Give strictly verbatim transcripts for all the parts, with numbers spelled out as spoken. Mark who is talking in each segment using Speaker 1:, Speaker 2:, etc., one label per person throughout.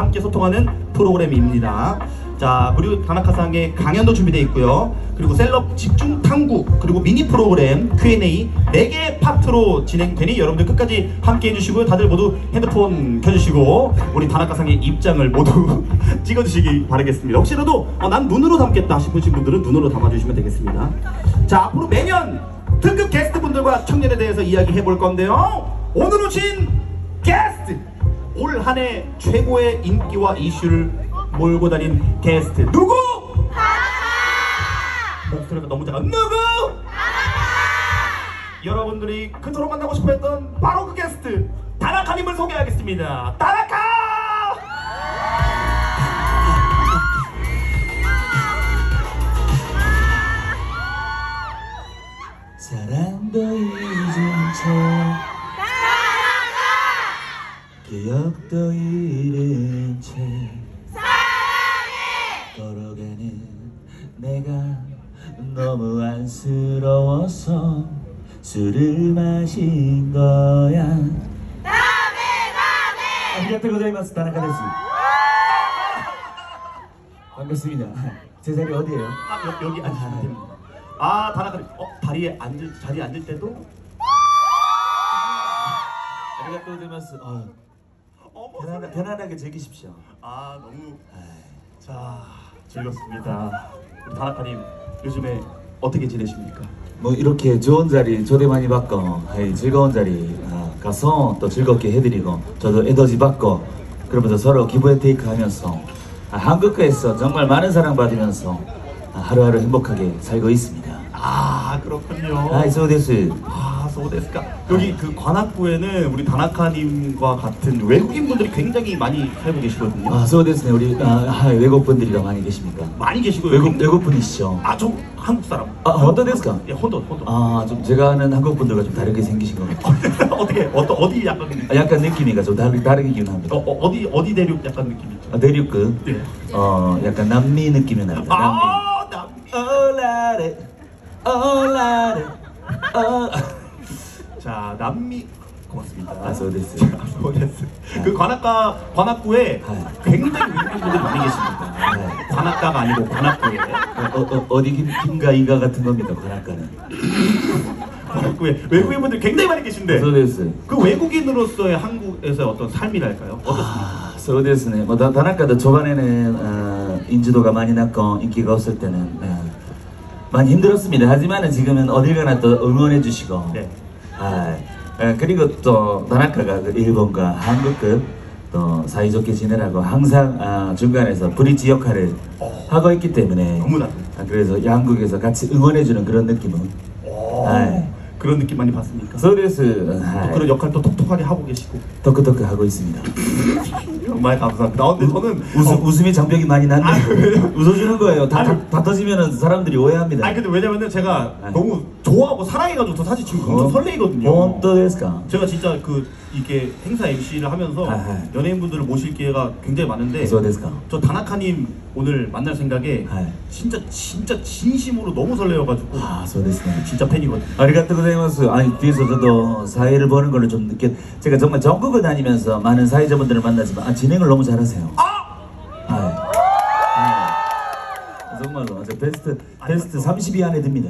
Speaker 1: 함께 소통하는 프로그램입니다. 자, 그리고 다나카상의 강연도 준비되어 있고요. 그리고 셀럽 집중 탐구, 그리고 미니 프로그램 큐 앤 에이 네 개 파트로 진행되니 여러분들 끝까지 함께 해주시고요. 다들 모두 핸드폰 켜주시고 우리 다나카상의 입장을 모두 찍어주시기 바라겠습니다. 혹시라도 어, 난 눈으로 담겠다 싶으신 분들은 눈으로 담아주시면 되겠습니다. 자, 앞으로 매년 특급 게스트분들과 청년에 대해서 이야기해 볼 건데요. 오늘 오신 게스트, 올 한 해 최고의 인기와 이슈를 몰고 다닌 게스트 누구? 목소리가 너무 작아. 누구? 여러분들이 그토록 만나고 싶어 했던 바로 그 게스트 다나카님을 소개하겠습니다. 다나카!
Speaker 2: 사랑도 잊은 채 기억도 잃은 채 사랑해 걸어가는 내가 너무 안쓰러워서 술을 마신 거야. 다음에 다음에 아리가또 고자이마스 다나카 데스. 반갑습니다. 제 자리 어디예요?
Speaker 1: 아, 여, 여기 앉으시면 됩니다. 아, 다나카님, 어, 다리에 앉을, 자리에 앉을 때도
Speaker 2: 아리가또 고자이마스. 어,
Speaker 1: 어머,
Speaker 2: 편안하, 편안하게 즐기십시오.
Speaker 1: 아, 너무 자, 즐겁습니다. 우리 다나카님 요즘에 어떻게 지내십니까?
Speaker 2: 뭐 이렇게 좋은 자리 초대 많이 받고 하이, 즐거운 자리 아, 가서 또 즐겁게 해드리고 저도 에너지 받고 그러면서 서로 기브 앤 테이크 하면서 아, 한국에서 정말 많은 사랑 받으면서 아, 하루하루 행복하게 살고 있습니다.
Speaker 1: 아, 그렇군요.
Speaker 2: 아이 소데스.
Speaker 1: 아, 소데스까. 여기 그 관악구에는 우리 다나카님과 같은 외국인 분들이 굉장히 많이 살고 계시거든요.
Speaker 2: 아 소데스네. 우리 아, 아, 외국 분들이가 많이 계십니까?
Speaker 1: 많이 계시고요.
Speaker 2: 외국
Speaker 1: 굉장히-
Speaker 2: 외국 분이시죠?
Speaker 1: 아, 저 한국 사람.
Speaker 2: 아 혼돈ですか?
Speaker 1: 예, 혼돈, 혼돈.
Speaker 2: 아 좀 제가 아는 한국 분들과 좀 다르게 생기신 것 같아요.
Speaker 1: 어떻게 어떠 어디 약간
Speaker 2: 아, 약간 느낌이가 좀 다르 다르긴 합니다.
Speaker 1: 어, 어 어디 어디 대륙 약간 느낌 있죠?
Speaker 2: 아, 대륙급
Speaker 1: 네.
Speaker 2: 어 약간 남미 느낌이 납니다. 남미.
Speaker 1: 아, 남미.
Speaker 2: 올라래 올라래 어.
Speaker 1: 자, 남미 고맙습니다.
Speaker 2: 아, 소데스.
Speaker 1: 자, 소데스. 그 관악가 관악구에
Speaker 2: 아.
Speaker 1: 굉장히 외국인 분들이 많이 계십니다.
Speaker 2: 아.
Speaker 1: 관악가가 아니고 관악구에.
Speaker 2: 어, 어, 어디 김, 김가 이가 같은 겁니다. 관악가는.
Speaker 1: 관악구에 외국인 분들 굉장히 많이 계신데
Speaker 2: 소데스.
Speaker 1: 그 외국인으로서의 한국에서의 어떤 삶이랄까요? 어떻습니까?
Speaker 2: 아, 소데스네. 뭐 다- 다나카도 초반에는 어, 인지도가 많이 낮고 인기가 없을 때는 어, 많이 힘들었습니다. 하지만은 지금은 어딜 가나 또 응원해 주시고.
Speaker 1: 네.
Speaker 2: 아, 에, 그리고 또 다나카가 그 일본과 한국급 또 사이좋게 지내라고 항상 아, 중간에서 브릿지 역할을
Speaker 1: 어.
Speaker 2: 하고 있기 때문에
Speaker 1: 너무나.
Speaker 2: 아, 그래서 양국에서 같이 응원해주는 그런 느낌은
Speaker 1: 오,
Speaker 2: 아이.
Speaker 1: 그런 느낌 많이 받습니까?
Speaker 2: 소데스.
Speaker 1: 또 그런 역할도 톡톡하게 하고 계시고
Speaker 2: 덕크덕크 하고 있습니다.
Speaker 1: 정말 감사합니다. 아, 근데 저는
Speaker 2: 웃음,
Speaker 1: 어,
Speaker 2: 웃음이 장벽이 많이
Speaker 1: 아,
Speaker 2: 났네.
Speaker 1: 그래요?
Speaker 2: 웃어주는 거예요. 다,
Speaker 1: 아니.
Speaker 2: 다, 다 터지면은 사람들이 오해합니다.
Speaker 1: 아니 근데 왜냐면은 제가
Speaker 2: 아니.
Speaker 1: 너무 좋아하고 사랑해가지고 저 사실 지금 엄청 설레이거든요.
Speaker 2: 본当ですか?
Speaker 1: 제가 진짜 그 이게 행사 엠씨를 하면서
Speaker 2: 아하.
Speaker 1: 연예인분들을 모실 기회가 굉장히 많은데
Speaker 2: そうですか?
Speaker 1: 저 다나카님 오늘 만날 생각에
Speaker 2: 아이.
Speaker 1: 진짜 진짜 진심으로 너무 설레어가지고
Speaker 2: 아, そうですね.
Speaker 1: 진짜 팬이거든요.
Speaker 2: 아리가또 고자이마스. 아니 뒤에서 저도 사회를 보는 걸로 좀 느꼈. 제가 정말 전국을 다니면서 많은 사회자분들을 만나지만 아, 진행을 너무 잘하세요.
Speaker 1: 아!
Speaker 2: 아, 아, 정말로 저 베스트 베스트 삼십 위 안에 듭니다.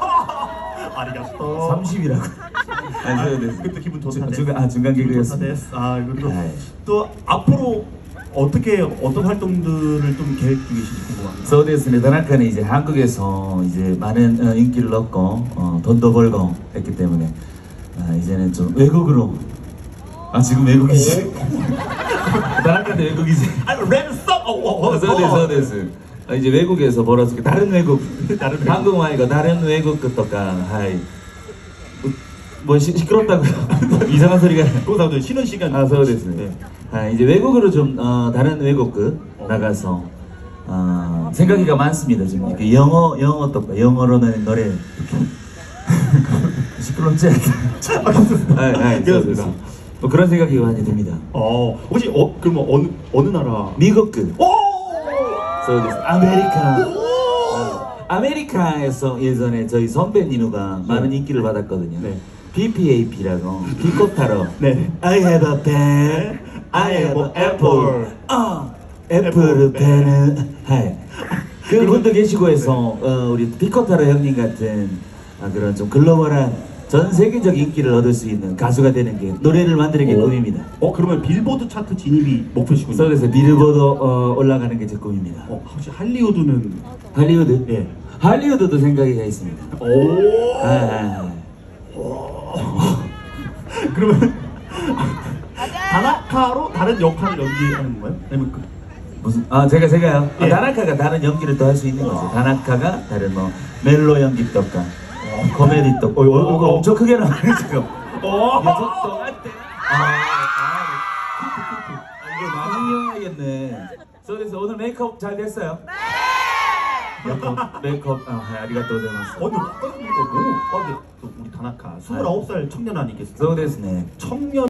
Speaker 1: 아리가또.
Speaker 2: 삼십이라고. 아니,
Speaker 1: 아,
Speaker 2: そうです.
Speaker 1: 그때 기분 좋다.
Speaker 2: 중- 중간 아 중간 개그였습니다.
Speaker 1: 아 그리고
Speaker 2: 아이.
Speaker 1: 또 앞으로 어떻게 어떤 활동들을 좀 계획 중이신지 궁금합니다.
Speaker 2: そうですね. 다나카는 이제 한국에서 이제 많은 어, 인기를 얻고 어, 돈도 벌고 했기 때문에 아, 이제는 좀 외국으로. 아 지금 외국이지. 다나카도 외국이지.
Speaker 1: 아니 랩 써. 어, 어, 어,
Speaker 2: そうですそうです 아, 이제 외국에서 벌어서 다른 외국,
Speaker 1: 다른 외국.
Speaker 2: 한국 말고 다른 외국 것도가 하이 뭐 시, 시끄럽다고요? 이상한 소리가.
Speaker 1: 그거도 쉬는 시간.
Speaker 2: 아, そうですね.
Speaker 1: 네.
Speaker 2: 아, 이제 외국으로 좀 어, 다른 외국급 나가서 어, 생각이가 많습니다. 지금 이렇게 영어 영어 또 영어로는 노래 시끄럽지 않게. 아, 아,
Speaker 1: 그렇습니다.
Speaker 2: 뭐 그런 생각이 많이 듭니다.
Speaker 1: 어 혹시 어 그러면 어느 어느 나라?
Speaker 2: 미국급.
Speaker 1: 오!
Speaker 2: そうです. 아메리카.
Speaker 1: 오!
Speaker 2: 아메리카에서 예전에 저희 선배님과 많은 인기를 받았거든요.
Speaker 1: 네.
Speaker 2: 비피에이피라고 피코타로
Speaker 1: 네.
Speaker 2: I have a pen, I am an apple. 아, 애플을 베는. 하이. 그분도 계시고 해서 어, 우리 피코타로 형님 같은 아, 그런 좀 글로벌한 전 세계적 인기를 얻을 수 있는 가수가 되는 게 노래를 만드는 게
Speaker 1: 어.
Speaker 2: 꿈입니다.
Speaker 1: 어 그러면 빌보드 차트 진입이 목표시군요.
Speaker 2: 그래서 빌보드 어, 올라가는 게 제 꿈입니다.
Speaker 1: 어 혹시 할리우드는
Speaker 2: 할리우드?
Speaker 1: 예.
Speaker 2: 할리우드도 생각이 가 있습니다.
Speaker 1: 오.
Speaker 2: 아,
Speaker 1: 그러면 다나카로 다른 역할을 연기하는 거예요? 아니면 그
Speaker 2: 무슨 아 제가 제가요.
Speaker 1: 예.
Speaker 2: 아, 다나카가 다른 연기를 또 할 수 있는 거죠. 다나카가 다른 뭐 멜로 연기 떡가, 코미디 떡. 어, 어, 이거 엄청 크게 나와요 지금.
Speaker 1: 어.
Speaker 2: 녀석도 한때. 아, 아, 아, 이거 많이 이용하겠네. 그래서 오늘 메이크업 잘 됐어요? 네. 메이크업 메이크업 아 아리가또 고자이마스.
Speaker 1: 어, 근데 아까 보니까 너무 아, 근데 또 우리 다나카 스물아홉 살 청년 아니겠어요?
Speaker 2: そうですね。
Speaker 1: 청년